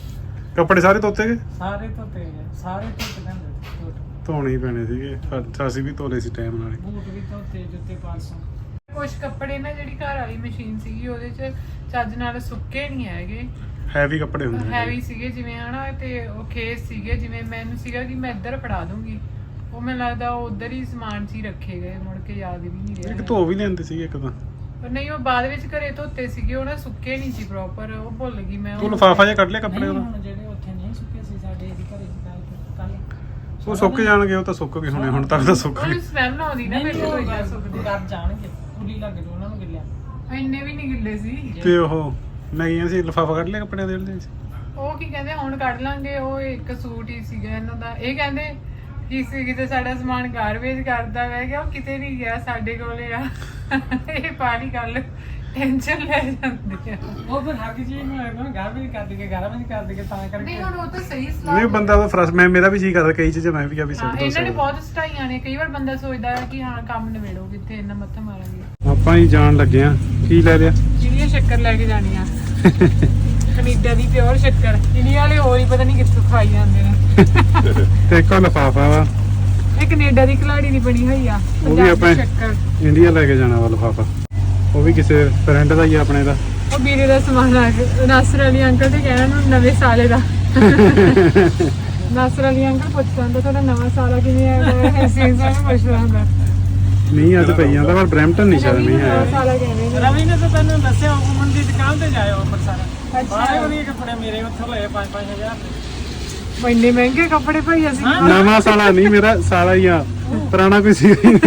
ਕੱਪੜੇ ਸਾਰੇ ਧੋਤੇ ਗਏ
ਸਾਰੇ ਧੋਤੇ ਗਏ, ਸਾਰੇ ਧੋਤੇ ਲਿਆਂਦੇ ਧੋਤੇ।
ਧੋਣੇ ਹੀ ਪੈਣੇ ਸੀਗੇ ਪਰ ਅਸੀਂ ਵੀ ਧੋਲੇ ਸੀ ਟਾਈਮ ਨਾਲ
ਬੂਟ ਵੀ ਧੋਤੇ ਜੁੱਤੇ ਪਾਲਸੋਂ
ਕੁਝ ਕੱਪੜੇ ਨਾ ਜਿਹੜੀ ਘਰ ਵਾਲੀ ਮਸ਼ੀਨ ਸੀਗੀ ਉਹਦੇ ਚ ਚੱਜ ਨਾਲ ਸੁੱਕੇ ਨਹੀਂ ਹੈਗੇ
ਹੈਵੀ ਕੱਪੜੇ ਹੁੰਦੇ ਨੇ
ਹੈਵੀ ਸੀਗੇ ਜਿਵੇਂ ਹਨਾ ਤੇ ਉਹ ਖੇਸ ਸੀਗੇ ਜਿਵੇਂ ਮੈਨੂੰ ਸੀਗਾ ਕਿ ਮੈਂ ਇੱਧਰ ਫੜਾ ਦੂੰਗੀ ਉਹ ਮੈਨੂੰ ਲੱਗਦਾ ਉਹ ਉਧਰ ਹੀ ਸਮਾਨ ਸੀ ਰੱਖੇ ਗਏ ਮੁੜ ਕੇ ਯਾਦ ਵੀ ਨਹੀਂ
ਇੱਕ
ਰਿਹਾ
ਧੋ ਵੀ ਲੈਂਦੇ ਸੀਗੇ ਇੱਕ ਤਾਂ
ਪਰ ਨਹੀਂ ਉਹ ਬਾਅਦ ਵਿੱਚ ਘਰੇ ਧੋਤੇ ਸੀਗੇ ਉਹ ਨਾ ਸੁੱਕੇ ਨਹੀਂ ਸੀ ਪ੍ਰੋਪਰ ਉਹ ਭੁੱਲ ਗਈ ਮੈਂ
ਤੂੰ
ਉਹ
ਲਿਫਾਫਾ ਜਿਹਾ ਕੱਢ ਲਿਆ ਕੱਪੜੇ
ਨਹੀਂ
ਉਹਦਾ
ਹੁਣ ਜਿਹੜੇ ਉੱਥੇ ਨਹੀਂ ਸੁੱਕੇ ਸੀ ਸਾਡੇ ਇਹਦੀ ਘਰੇ ਸੀ ਕੱਲ
ਉਹ ਸੁੱਕ ਜਾਣਗੇ ਉਹ ਤਾਂ ਸੁੱਕ ਗਏ ਹੋਣੇ ਹੁਣ ਤੱਕ ਤਾਂ ਸੁੱਕ ਗਏ
ਉਹਨੂੰ ਸਮੈਲ ਆਉਂਦੀ ਨਾ
ਨਹੀਂ
ਮੇਰੇ ਕੋਲ ਜਾ
ਉਹ
ਸੁੱਕਦੇ
ਕਰ ਜਾਣਗੇ ਉੱਲੀ ਲੱਗ ਜੂ ਉਹਨਾਂ ਨੂੰ ਗਿੱਲਿਆ
ਇੰਨੇ ਵੀ ਨਹੀਂ ਗਿੱਲੇ ਸੀ
ਤੇ ਉਹ ਨਹੀਂ ਅਸੀਂ ਲਿਫਾਫਾ ਕੱਢ ਲਿਆ ਕੱਪੜਿਆਂ ਦੇ ਵਿੱਚ
ਉਹ ਕੀ ਕਹਿੰਦੇ ਹੁਣ ਕੱਢ ਲਾਂਗੇ ਉਹ ਇੱਕ ਸੂਟ ਹੀ ਸੀਗਾ ਇਹਨਾਂ ਦਾ ਇਹ ਕਹਿੰਦੇ ਕਿਸੇ ਕਿਤੇ ਸਾਡਾ ਸਮਾਨ ਗਾਰਬੇਜ ਕਰਦਾ ਮੈਂ ਕਿਹਾ ਉਹ ਕਿਤੇ ਨਹੀਂ ਗਿਆ ਸਾਡੇ ਕੋਲੇ ਆ ਇਹ ਪਾਣੀ ਕੱਲ ਟੈਨਸ਼ਨ ਲੈ ਜਾਂਦੇ ਆ।
ਉਹ ਫਿਰ ਹਰ ਚੀਜ਼ ਨੂੰ ਲੱਗਦਾ ਘਰ ਵੀ ਕਰ ਦੇਗੇ ਘਰ ਵੀ ਕਰ ਦੇਗੇ ਤਾਂ ਕਰਕੇ
ਨਹੀਂ ਹੁਣ ਉਹ ਤਾਂ ਸਹੀ ਸਲਾਹ
ਨਹੀਂ ਬੰਦਾ ਤਾਂ ਫਰਸ ਮੈਂ ਮੇਰਾ ਵੀ ਜੀ ਕਰਦਾ ਕਈ ਚੀਜ਼ਾਂ ਮੈਂ ਵੀ ਕਿਹਾ ਵੀ
ਹਾਂ,
ਸਿੱਟ ਦੋ
ਇਹਨਾਂ ਨੇ ਬਹੁਤ ਸਟਾਈਆਂ ਨੇ। ਕਈ ਵਾਰ ਬੰਦਾ ਸੋਚਦਾ ਹੈ ਕਿ ਹਾਂ ਕੰਮ ਨਿਬੇੜੋ ਕਿੱਥੇ ਇੰਨਾ ਮੱਥਾ ਮਾਰਾਂਗੇ।
ਆਪਾਂ ਹੀ ਜਾਣ ਲੱਗੇ ਆ। ਕੀ ਲੈ ਲਿਆ?
ਜਿਹੜੀਆਂ ਸ਼ੱਕਰ ਲੈ ਕੇ ਜਾਣੀਆਂ ਕੈਨੇਡਾ ਦੀ ਪਿਓਰ ਸ਼ੱਕਰ। ਇੰਡੀਆ ਵਾਲੇ ਹੋਰ ਹੀ ਪਤਾ ਨਹੀਂ ਕਿੱਥੋਂ ਖਾਈ ਜਾਂਦੇ ਨੇ।
ਤੇ ਇੱਕ ਲਫਾਫਾ ਵਾ
ਇਹ ਕੈਨੇਡਾ ਦੀ ਕਲਾੜੀ ਦੀ ਬਣੀ ਹੋਈ ਆ
ਉਹ ਵੀ
ਪੰਜਾਬੀ
ਆਪਾਂ
ਸ਼ੱਕਰ।
ਇੰਡੀਆ ਲੈ ਕੇ ਜਾਣਾ ਵਾ ਲਫਾਫਾ। ਉਹ ਵੀ ਕਿਸੇ ਫਰੈਂਡ ਦਾ ਹੀ ਆ ਆਪਣੇ ਦਾ।
ਉਹ ਵੀਰੇ ਦਾ ਸਮਾਨ ਆ ਕੇ ਨਾਸਰ ਅਲੀ ਅੰਕਲ ਤੇ ਕਹਿਣਾ ਨੂੰ ਨਵੇਂ ਸਾਲੇ ਦਾ। ਨਾਸਰ ਅਲੀ ਅੰਕਲ ਪੁੱਛਦਾ ਹੁੰਦਾ ਤੁਹਾਡਾ ਨਵਾਂ ਸਾਲ ਕਿਵੇਂ ਆਇਆ ਹੈ ਸੀਜ਼ਨ ਨੂੰ ਪੁੱਛਦਾ ਹੁੰਦਾ।
ਮੀਂਹ ਅੱਜ ਪਈ ਜਾਂਦਾ ਪਰ ਬ੍ਰੈਂਪਟਨ ਨਹੀਂ ਸ਼ਾਇਦ ਮੀਂਹ
ਨਵਾਂ
ਆਇਆ।
ਸਾਲ ਕਹਿੰਦੇ ਨੇ।
ਰਵੀ ਨੇ ਤਾਂ ਤੈਨੂੰ ਦੱਸਿਆ ਉਮਨ ਦੀ ਦੁਕਾਨ ਤੇ ਜਾਇਓ ਅੰਮ੍ਰਿਤਸਰ। ਬਾਰੇ ਵਧੀਆ ਕੱਪੜੇ ਮੇਰੇ ਉੱਥੋਂ ਲਏ ਪੰਜ ਪੰਜ ਹਜ਼ਾਰ ਦੇ।
ਇੰਨੇ ਮਹਿੰਗੇ ਕੱਪੜੇ ਭਾਈ ਅਸੀਂ
ਨਵਾਂ ਸਾਲਾ ਨਹੀਂ ਮੇਰਾ ਸਾਲਾ ਹੀ ਆ। ਪੁਰਾਣਾ ਕੋਈ ਸੀ
ਨਹੀਂ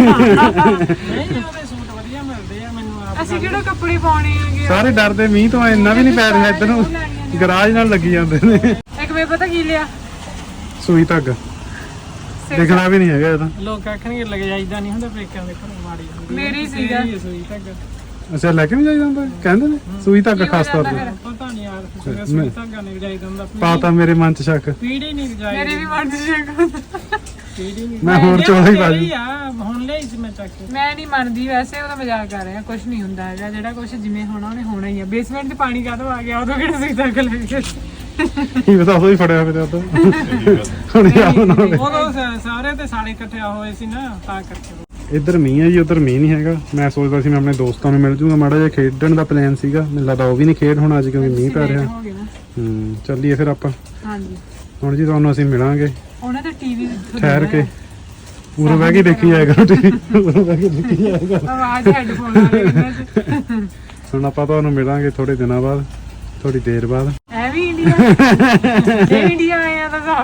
ਉਹਦੇ ਸੂਟ ਵਧੀਆ ਮਿਲਦੇ ਆ ਮੈਨੂੰ ਆਪ।
ਅਸੀਂ ਕਿਹੜੇ ਕੱਪੜੇ ਪਾਉਣੇ ਆਗੇ।
ਸਾਰੇ ਡਰਦੇ ਮੀਂਹ ਤੋਂ ਇੰਨਾ ਵੀ ਨਹੀਂ ਪੈ ਰਿਹਾ ਇੱਧਰ ਨੂੰ। ਗਰਾਜ ਨਾਲ ਲੱਗੀ ਜਾਂਦੇ ਨੇ।
ਇੱਕ ਵੇ ਪਤਾ ਕੀ ਲਿਆ
ਸੂਈ ਧਾਗਾ ਦਿਖਣਾ ਵੀ ਨਹੀਂ ਹੈਗਾ ਇਹਦਾ।
ਲੋਕ ਆਖਣਗੇ ਲੱਗ ਜਾਈਦਾ ਨਹੀਂ ਹੁੰਦਾ ਪੇਕਿਆਂ ਦੇ ਘਰੋਂ ਮਾੜੀ ਹੁੰਦੀ।
ਮੇਰੀ ਸੀਗਾ।
ਇਹ ਸੂਈ ਤੱਕ
ਅੱਛਾ ਲੈ ਕੇ ਵੀ ਜਾਈਦਾ ਹੁੰਦਾ ਕਹਿੰਦੇ ਨੇ ਸੂਈ ਧਾਗਾ ਖਾਸ ਤੌਰ ਤੇ।
ਪਤਾ ਨਹੀਂ ਯਾਰ ਸੂਈ ਸੂਈ ਤੱਕ ਨਹੀਂ ਜਾਈਦਾ ਹੁੰਦਾ।
ਪਾਤਾ ਮੇਰੇ ਮਨ ਚ ਸ਼ੱਕ।
ਪੀੜੀ ਨਹੀਂ ਜਾਈਦੀ।
ਮੇਰੇ ਵੀ ਮਨ ਚ ਸ਼ੱਕ।
ਪੀੜੀ ਨਹੀਂ।
ਮੈਂ ਹੋਰ ਚੋਲਾ ਹੀ ਬਾਜੀ।
ਆ ਹੁਣ ਲਈ ਸੀ ਮੈਂ ਚੱਕ ਕੇ।
ਮੈਂ ਨਹੀਂ ਮੰਨਦੀ ਵੈਸੇ ਉਹਦਾ ਮਜ਼ਾਕ ਕਰ ਰਿਹਾ। ਕੁਝ ਨਹੀਂ ਹੁੰਦਾ ਹੈਗਾ। ਜਿਹੜਾ ਕੁਝ ਜਿਵੇਂ ਹੋਣਾ ਉਹਨੇ ਹੋਣਾ ਹੀ ਆ। ਬੇਸਮੈਂਟ ਤੇ ਪਾਣੀ ਕਾਹਦੋਂ ਆ ਗਿਆ ਉਦੋਂ ਕਿਹੜਾ ਸਹੀ ਤੱਕ ਲੱਗੇ।
ਕੀ ਪਤਾ ਉਹ ਹੀ ਫੜਿਆ ਫਿਰ ਉਦੋਂ। ਹੁਣ ਯਾਦ ਨਾ ਹੋਵੇ।
ਉਦੋਂ ਸ- ਸਾਰੇ ਤੇ ਸਾਲੇ ਇਕੱਠੇ ਹੋਏ ਸੀ ਨਾ ਤਾਂ ਕਰਕੇ।
ਇੱਧਰ ਮੀਂਹ ਹੈ ਜੀ ਉਧਰ ਮੀਂਹ ਨਹੀਂ ਹੈਗਾ। ਮੈਂ ਸੋਚਦਾ ਸੀ ਮੈਂ ਆਪਣੇ ਦੋਸਤਾਂ ਨੂੰ ਮਿਲ ਜੂਗਾ ਮਾੜਾ ਜਿਹਾ ਖੇਡਣ ਦਾ ਪਲਾਨ ਸੀਗਾ। ਮੈਨੂੰ ਲੱਗਦਾ ਉਹ ਵੀ ਨਹੀਂ ਖੇਡ ਹੋਣਾ ਅੱਜ ਕਿਉਂਕਿ ਮੀਂਹ ਪੈ ਰਿਹਾ।
ਹੋ ਗਏ ਨਾ।
ਹੂੰ ਚੱਲੀਏ ਫਿਰ ਆਪਾਂ
ਹਾਂਜੀ
ਹੁਣ ਜੀ ਤੁਹਾਨੂੰ ਅਸੀਂ ਮਿਲਾਂਗੇ
ਉਹਨਾਂ ਦਾ ਟੀਵੀ
ਠਹਿਰ ਕੇ। ਪੂਰਾ ਬਹਿ ਕੇ ਦੇਖੀ ਜਾਏਗਾ ਟੀਵੀ। ਪੂਰਾ ਬਹਿ ਕੇ ਦੇਖੀ ਜਾਏਗਾ।
ਆਵਾਜ਼ ਹੈਡਫੋਨ ਆ ਰਹੇ ਇਹਨਾਂ ਚ।
ਹੁਣ ਆਪਾਂ ਤੁਹਾਨੂੰ ਮਿਲਾਂਗੇ ਥੋੜੇ ਦਿਨਾਂ ਬਾਅਦ ਥੋੜੀ ਦੇਰ ਬਾਅਦ।
ਐ ਵੀ ਇੰਡੀਆ ਇਹ ਇੰਡੀਆ ਆਇਆ ਤਾਂ ਹਿਸਾਬ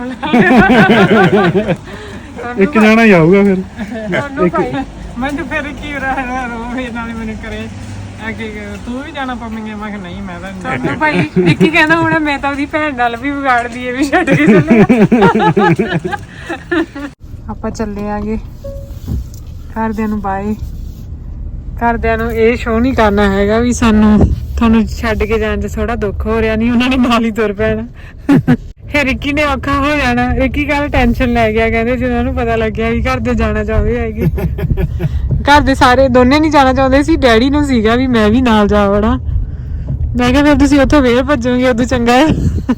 ਨਾਲ
ਇੱਕ ਜਾਣਾ ਹੀ ਆਊਗਾ ਫਿਰ।
ਤੁਹਾਨੂੰ ਭਾਈ
ਮੈਨੂੰ ਫਿਰ ਕੀ ਰਹਾ ਰੋਵੇ ਨਾਲੇ ਮੈਨੂੰ ਕਰੇ ਆ ਕਿ ਤੂੰ ਵੀ ਜਾਣਾ ਪਵੇਂਗੇ। ਮੈਂ ਕਿਹਾ ਨਹੀਂ ਮੈਂ ਤਾਂ ਨਹੀਂ।
ਤੁਹਾਨੂੰ ਭਾਈ ਵਿੱਕੀ ਕਹਿੰਦਾ ਹੁਣ ਮੈਂ ਤਾਂ ਉਹਦੀ ਭੈਣ ਨਾਲ ਵੀ ਵਿਗਾੜਦੀ ਏ ਵੀ ਛੱਡ ਕੇ ਚੱਲੇ। ਆਪਾਂ ਚੱਲੇ ਆਗੇ ਘਰਦਿਆਂ ਨੂੰ ਬਾਏ। ਘਰਦਿਆਂ ਨੂੰ ਇਹ ਸ਼ੋਅ ਨਹੀਂ ਕਰਨਾ ਹੈਗਾ ਵੀ ਸਾਨੂੰ ਤੁਹਾਨੂੰ ਛੱਡ ਕੇ ਜਾਣ 'ਚ ਥੋੜਾ ਦੁੱਖ ਹੋ ਰਿਹਾ। ਨਹੀਂ ਉਹਨਾਂ ਨੇ ਨਾਲ ਹੀ ਤੁਰ ਪੈਣਾ। ਫਿਰ ਰਿੱਕੀ ਨੇ ਔਖਾ ਹੋ ਜਾਣਾ। ਰਿੱਕੀ ਕੱਲ ਟੈਨਸ਼ਨ ਲੈ ਗਿਆ। ਕਹਿੰਦੇ ਜਦੋਂ ਉਹਨੂੰ ਪਤਾ ਲੱਗਿਆ ਵੀ ਘਰ ਦੇ ਜਾਣਾ ਚਾਹੁੰਦੇ ਹੈਗੇ। ਘਰ ਦੇ ਸਾਰੇ ਦੋਨੇ ਨਹੀਂ ਜਾਣਾ ਚਾਹੁੰਦੇ ਸੀ। ਡੈਡੀ ਨੂੰ ਸੀਗਾ ਵੀ ਮੈਂ ਵੀ ਨਾਲ ਜਾ ਵੜਾਂ। ਮੈਂ ਕਿਹਾ ਫਿਰ ਤੁਸੀਂ ਉੱਥੋਂ ਵੇਰ ਭੱਜੋਗੇ ਉਦੋਂ ਚੰਗਾ ਹੈ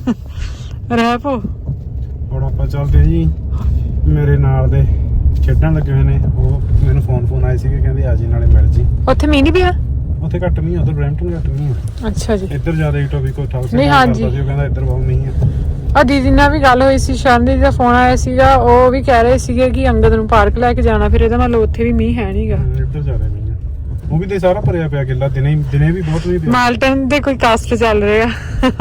ਰਹਿ ਪੋ।
ਹੁਣ ਆਪਾਂ ਚੱਲਦੇ ਜੀ ਮੇਰੇ ਨਾਲ ਦੇ ਖੇਡਣ ਲੱਗੇ ਹੋਏ ਨੇ। ਉਹ ਮੈਨੂੰ ਫੋਨ ਫੋਨ ਆਏ ਸੀਗੇ ਕਹਿੰਦੇ ਆ ਜੀ ਨਾਲੇ ਮਿਲ ਜੀ।
ਉੱਥੇ ਮੀਂਹ ਨਹੀਂ ਪਿਆ।
ਉੱਥੇ ਘੱਟ ਮੀਂਹ ਉਧਰ ਬ੍ਰੈਂਪਟਨ ਘੱਟ ਮੀਂਹ ਆ।
ਅੱਛਾ ਜੀ।
ਇੱਧਰ ਜ਼ਿਆਦਾ ਟੋਪਿਕ ਕੋ ਠਾਕ
ਨਹੀਂ, ਹਾਂਜੀ।
ਉਹ ਕਹਿੰਦਾ ਇੱਧਰ ਬਹੁਤ ਮੀਂਹ ਆ।
ਆ ਦੀਦੀ ਨਾਲ ਵੀ ਗੱਲ ਹੋਈ ਸੀ। ਸ਼ਰਨ ਦੀਦੀ ਦਾ ਫੋਨ ਆਇਆ ਸੀਗਾ। ਉਹ ਵੀ ਕਹਿ ਰਹੇ ਸੀਗੇ ਕਿ ਅੰਗਦ ਨੂੰ ਪਾਰਕ ਲੈ ਕੇ ਜਾਣਾ। ਫਿਰ ਇਹਦਾ ਮਤਲਬ ਉੱਥੇ ਵੀ ਮੀਂਹ ਹੈ ਨਹੀਂਗਾ।
ਇੱਧਰ ਜ਼ਿਆਦਾ ਮੀਂਹ ਆ। ਉਹ ਵੀ ਤੇ ਸਾਰਾ ਭਰਿਆ ਪਿਆ ਗਿੱਲਾ। ਦਿਨੇ ਦਿਨੇ ਵੀ ਬਹੁਤ ਮੀਂਹ ਪਿਆ।
ਮਾਲਟਨ ਦੇ ਕੋਈ ਕਾਸਟ ਚੱਲ ਰਿਹਾ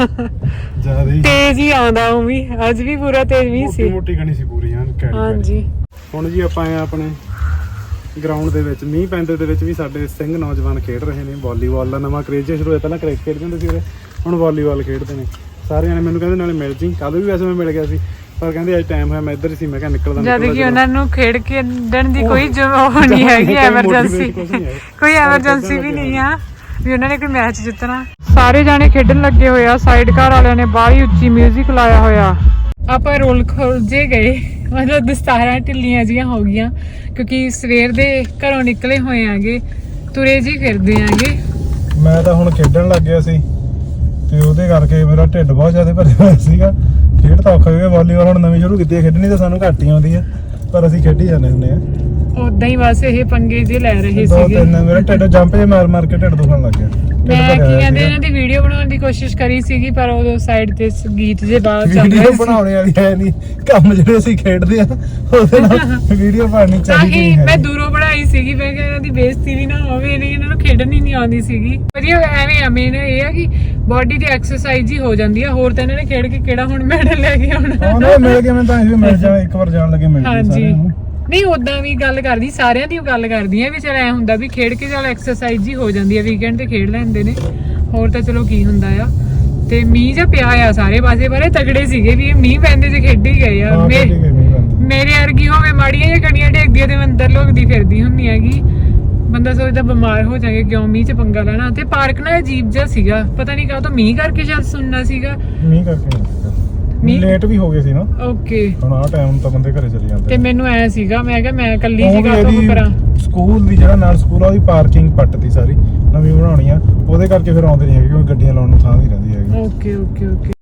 ਜ਼ਿਆਦਾ ਹੀ
ਤੇਜ਼ ਹੀ ਆਉਂਦਾ। ਉਹ ਵੀ ਅੱਜ ਵੀ ਪੂਰਾ ਤੇਜ਼ ਮੀਂਹ
ਮੋਟੀ
ਸੀ।
ਮੋਟੀ ਗਣੀ ਸੀ ਪੂਰੀ ਐਨ ਕੈੜੀ ਕੈੜੀ।
ਹਾਂਜੀ
ਹੁਣ ਜੀ ਆਪਾਂ ਆਏ ਆ ਆਪਣੇ ਗਰਾਊਂਡ ਦੇ ਵਿੱਚ। ਮੀਂਹ ਪੈਂਦੇ ਦੇ ਵਿੱਚ ਵੀ ਸਾਡੇ ਸਿੰਘ ਨੌਜਵਾਨ ਖੇਡ ਰਹੇ ਨੇ। ਵਾਲੀਬਾਲ ਦਾ ਨਵਾਂ ਕਰੇਜ ਸ਼ੁਰੂ ਹੋਇਆ। ਪਹਿਲਾਂ ਕ੍ਰਿਕਟ ਖੇਡਦੇ ਹੁੰਦੇ ਸੀ ਉਰੇ, ਹੁਣ ਵਾਲੀਬਾਲ ਖੇਡਦੇ ਨੇ। ਸਾਰਿਆਂ ਨੇ ਮੈਨੂੰ ਕਹਿੰਦੇ ਨਾਲੇ ਮਿਲ ਜੀ। ਕੱਲ ਵੀ ਵੈਸੇ ਮੈਂ ਮਿਲ ਗਿਆ ਸੀ ਪਰ ਕਹਿੰਦੇ ਅੱਜ ਟਾਈਮ ਹੋਇਆ। ਮੈਂ ਇੱਧਰ ਹੀ ਸੀ। ਮੈਂ ਕਿਹਾ ਨਿਕਲਦਾ
ਜਦ ਕਿ ਉਹਨਾਂ ਨੂੰ ਖੇਡ ਕੇ ਡਣ ਦੀ ਕੋਈ ਉਹ ਨਹੀਂ ਹੈਗੀ। ਐਮਰਜੈਂਸੀ ਕੋਈ ਐਮਰਜੈਂਸੀ ਵੀ ਨਹੀਂ ਆ ਵੀ ਉਹਨਾਂ ਨੇ ਕੋਈ ਮੈਚ ਜਿੱਤਣਾ। ਸਾਰੇ ਜਾਣੇ ਖੇਡਣ ਲੱਗੇ ਹੋਏ ਆ। ਸਾਈਡ ਘਰ ਵਾਲਿਆਂ ਨੇ ਬਾਹਲੀ ਉੱਚੀ 뮤직 ਲਾਇਆ ਹੋਇਆ। ਆਪਾਂ ਰੋਲ ਖੋਲ ਜੇ ਗਏ ਮਤਲਬ ਦਸਤਾਰਾਂ ਢਿੱਲੀਆਂ ਜੀਆਂ ਹੋ ਗਈਆਂ ਕਿਉਂਕਿ ਸਵੇਰ ਦੇ ਘਰੋਂ ਨਿਕਲੇ ਹੋਏ ਆਂਗੇ। ਤੁਰੇ ਜੀ ਫਿਰਦੇ ਆਂਗੇ।
ਮੈਂ ਤਾਂ ਹੁਣ ਖੇਡਣ ਲੱਗ ਗਿਆ ਸੀ ਤੇ ਉਹਦੇ ਕਰਕੇ ਮੇਰਾ ਢਿੱਡ ਬਹੁਤ ਜ਼ਿਆਦਾ ਭਰਿਆ ਹੋਇਆ ਸੀਗਾ। ਖੇਡ ਤਾਂ ਔਖਾ ਹੋ ਗਿਆ। ਵਾਲੀਬਾਲ ਹੁਣ ਨਵੀਂ ਸ਼ੁਰੂ ਕੀਤੀ ਹੈ ਖੇਡਣੀ ਤਾਂ ਸਾਨੂੰ ਘੱਟ ਹੀ ਆਉਂਦੀ ਆ ਪਰ ਅਸੀਂ ਖੇਡੀ ਜਾਂਦੇ ਹੁੰਦੇ ਆ।
ਉਦਾਂ ਹੀ ਬਸ ਇਹ ਪੰਗੇ ਜੇ ਲੈ ਰਹੇ
ਦੋ
ਸੀਗੇ।
ਤਿੰਨ ਮੇਰਾ ਢਿੱਡ ਜੰਪ ਜੇ ਮਾਰ ਮਾਰ ਕੇ ਢਿੱਡ ਦੁਖਣ ਲੱਗ ਗਿਆ।
ਮੈਂ ਕੀ ਕਹਿੰਦੇ ਇਹਨਾਂ ਦੀ ਵੀਡੀਓ ਬਣਾਉਣ ਦੀ ਕੋਸ਼ਿਸ਼ ਕਰੀ ਸੀਗੀ ਪਰ ਉਦੋਂ ਸਾਈਡ ਤੇ ਗੀਤ ਜੇ ਬਾਅਦ ਚੱਲ
ਵੀਡੀਓ
ਰਹੇ ਸੀ।
ਬਣਾਉਣੇ ਵਾਲੀ ਹੈ ਨਹੀਂ। ਕੰਮ ਜਿਹੜੇ ਅਸੀਂ ਖੇਡਦੇ ਆ ਉਹਦੇ ਨਾਲ ਵੀਡੀਓ ਬਣਨੀ ਚਾਹੀਦੀ
ਨਹੀਂ
ਨਹੀਂ
ਮੈਂ
ਹੈ।
ਦੂਰੋਂ ਬਣਾਈ ਸੀਗੀ। ਮੈਂ ਕਿਹਾ ਇਹਨਾਂ ਦੀ ਬੇਇੱਜ਼ਤੀ ਵੀ ਨਾ ਹੋਵੇ। ਨਹੀਂ ਇਹਨਾਂ ਨੂੰ ਖੇਡਣ ਹੀ ਨਹੀਂ ਆਉਂਦੀ ਸੀਗੀ। ਵਧੀਆ ਐਵੇਂ ਆ। ਮੇਨ ਇਹ ਆ ਕਿ ਬਾਡੀ ਦੀ ਐਕਸਰਸਾਈਜ਼ ਹੀ ਹੋ ਜਾਂਦੀ ਆ। ਹੋਰ ਤਾਂ ਇਹਨਾਂ ਨੇ ਖੇਡ ਕੇ ਕਿਹੜਾ ਹੁਣ ਮੈਡਲ ਲੈ ਕੇ ਆਉਣਾ।
ਉਹਨੇ ਮਿਲ ਕੇ ਮੈਂ ਤਾਂ ਇਹ ਮਿਲ ਜਾ ਇੱਕ ਵਾਰ ਜਾਣ ਲੱਗੇ ਮਿਲ ਗਏ
ਹਾਂਜੀ
ਸਾਰਿਆਂ ਨੂੰ।
ਨਹੀਂ ਉਦਾਂ ਵੀ ਗੱਲ ਕਰਦੀ ਸਾਰਿਆਂ ਦੀ ਗੱਲ ਕਰਦੀ ਆ ਵੀ ਚਲ ਐ ਹੁੰਦਾ ਵੀ ਖੇਡ ਕੇ ਚਲ ਐਕਸਰਸਾਈਜ਼ ਹੀ ਹੋ ਜਾਂਦੀ ਆ। ਵੀਕਐਂਡ ਤੇ ਖੇਡ ਲੈਂਦੇ ਨੇ ਹੋਰ ਤਾਂ ਚਲੋ ਕੀ ਹੁੰਦਾ ਆ। ਤੇ ਮੀਂਹ ਜਾਂ ਪਿਆ ਆ ਸਾਰੇ ਪਾਸੇ ਬਾਰੇ ਤਗੜੇ ਸੀਗੇ ਵੀ ਇਹ ਮੀਂਹ ਪੈਂਦੇ ਚ ਖੇਡੀ ਗਏ ਆ।
ਹਾਂ,
ਮੇ-
ਖੇਡੀ ਗਏ ਮੀਂਹ ਪੈਂਦੇ।
ਮੇਰੇ ਵਰਗੀ ਹੋਵੇ ਮਾੜੀਆਂ ਜਾਂ ਕਣੀਆਂ ਡੇਗਦੀਆਂ ਤੇ ਮੈਂ ਅੰਦਰ ਲੋਕਦੀ ਫਿਰਦੀ ਹੁੰਨੀ ਹੈਗੀ
ਬੰਦਾ ਸੋਚਦਾ ਬਿਮਾਰ ਹੋ ਜਾਏਗਾ, ਕਿਉਂ ਮੀਂਹ ਚ ਪੰਗਾ ਲੈਣਾ। ਤੇ ਪਾਰਕ ਨਾ ਅਜੀਬ ਜਿਹਾ ਸੀਗਾ, ਪਤਾ ਨਹੀਂ ਕਾਹ ਤੋਂ ਮੀਂਹ ਕਰਕੇ ਸ਼ਾਇਦ ਸੁਣਨਾ ਸੀਗਾ।
ਮੀਂਹ ਕਰਕੇ ਨਹੀਂ ਸੀਗਾ,
ਮੀਂਹ-
ਲੇਟ ਵੀ ਹੋ ਗਏ ਸੀ ਨਾ
ਓਕੇ।
ਹੁਣ ਆਹ ਟਾਈਮ ਤਾਂ ਬੰਦੇ ਘਰੇ ਚਲੇ ਜਾਂਦੇ
ਤੇ ਮੈਨੂੰ ਐ ਸੀਗਾ, ਮੈਂ ਕਿਹਾ ਮੈਂ ਇਕੱਲੀ
ਉਹ ਵੀ
ਸੀਗਾ ਤੋਂ
ਇਹਦੀ
ਕਰਾਂ।
ਸਕੂਲ ਦੀ ਜਿਹੜਾ ਨਾਲ ਸਕੂਲ ਆ ਉਹਦੀ ਪਾਰਕਿੰਗ ਪੱਟਤੀ ਸਾਰੀ, ਨਵੀਂ ਬਣਾਉਣੀ ਆ, ਉਹਦੇ ਕਰਕੇ ਫਿਰ ਆਉਂਦੇ ਨਹੀਂ ਹੈਗੇ ਕਿਉਂਕਿ ਗੱਡੀਆਂ ਲਾਉਣ ਨੂੰ ਥਾਂ ਨਹੀਂ ਰਹਿੰਦੀ ਹੈਗੀ।
Okay okay okay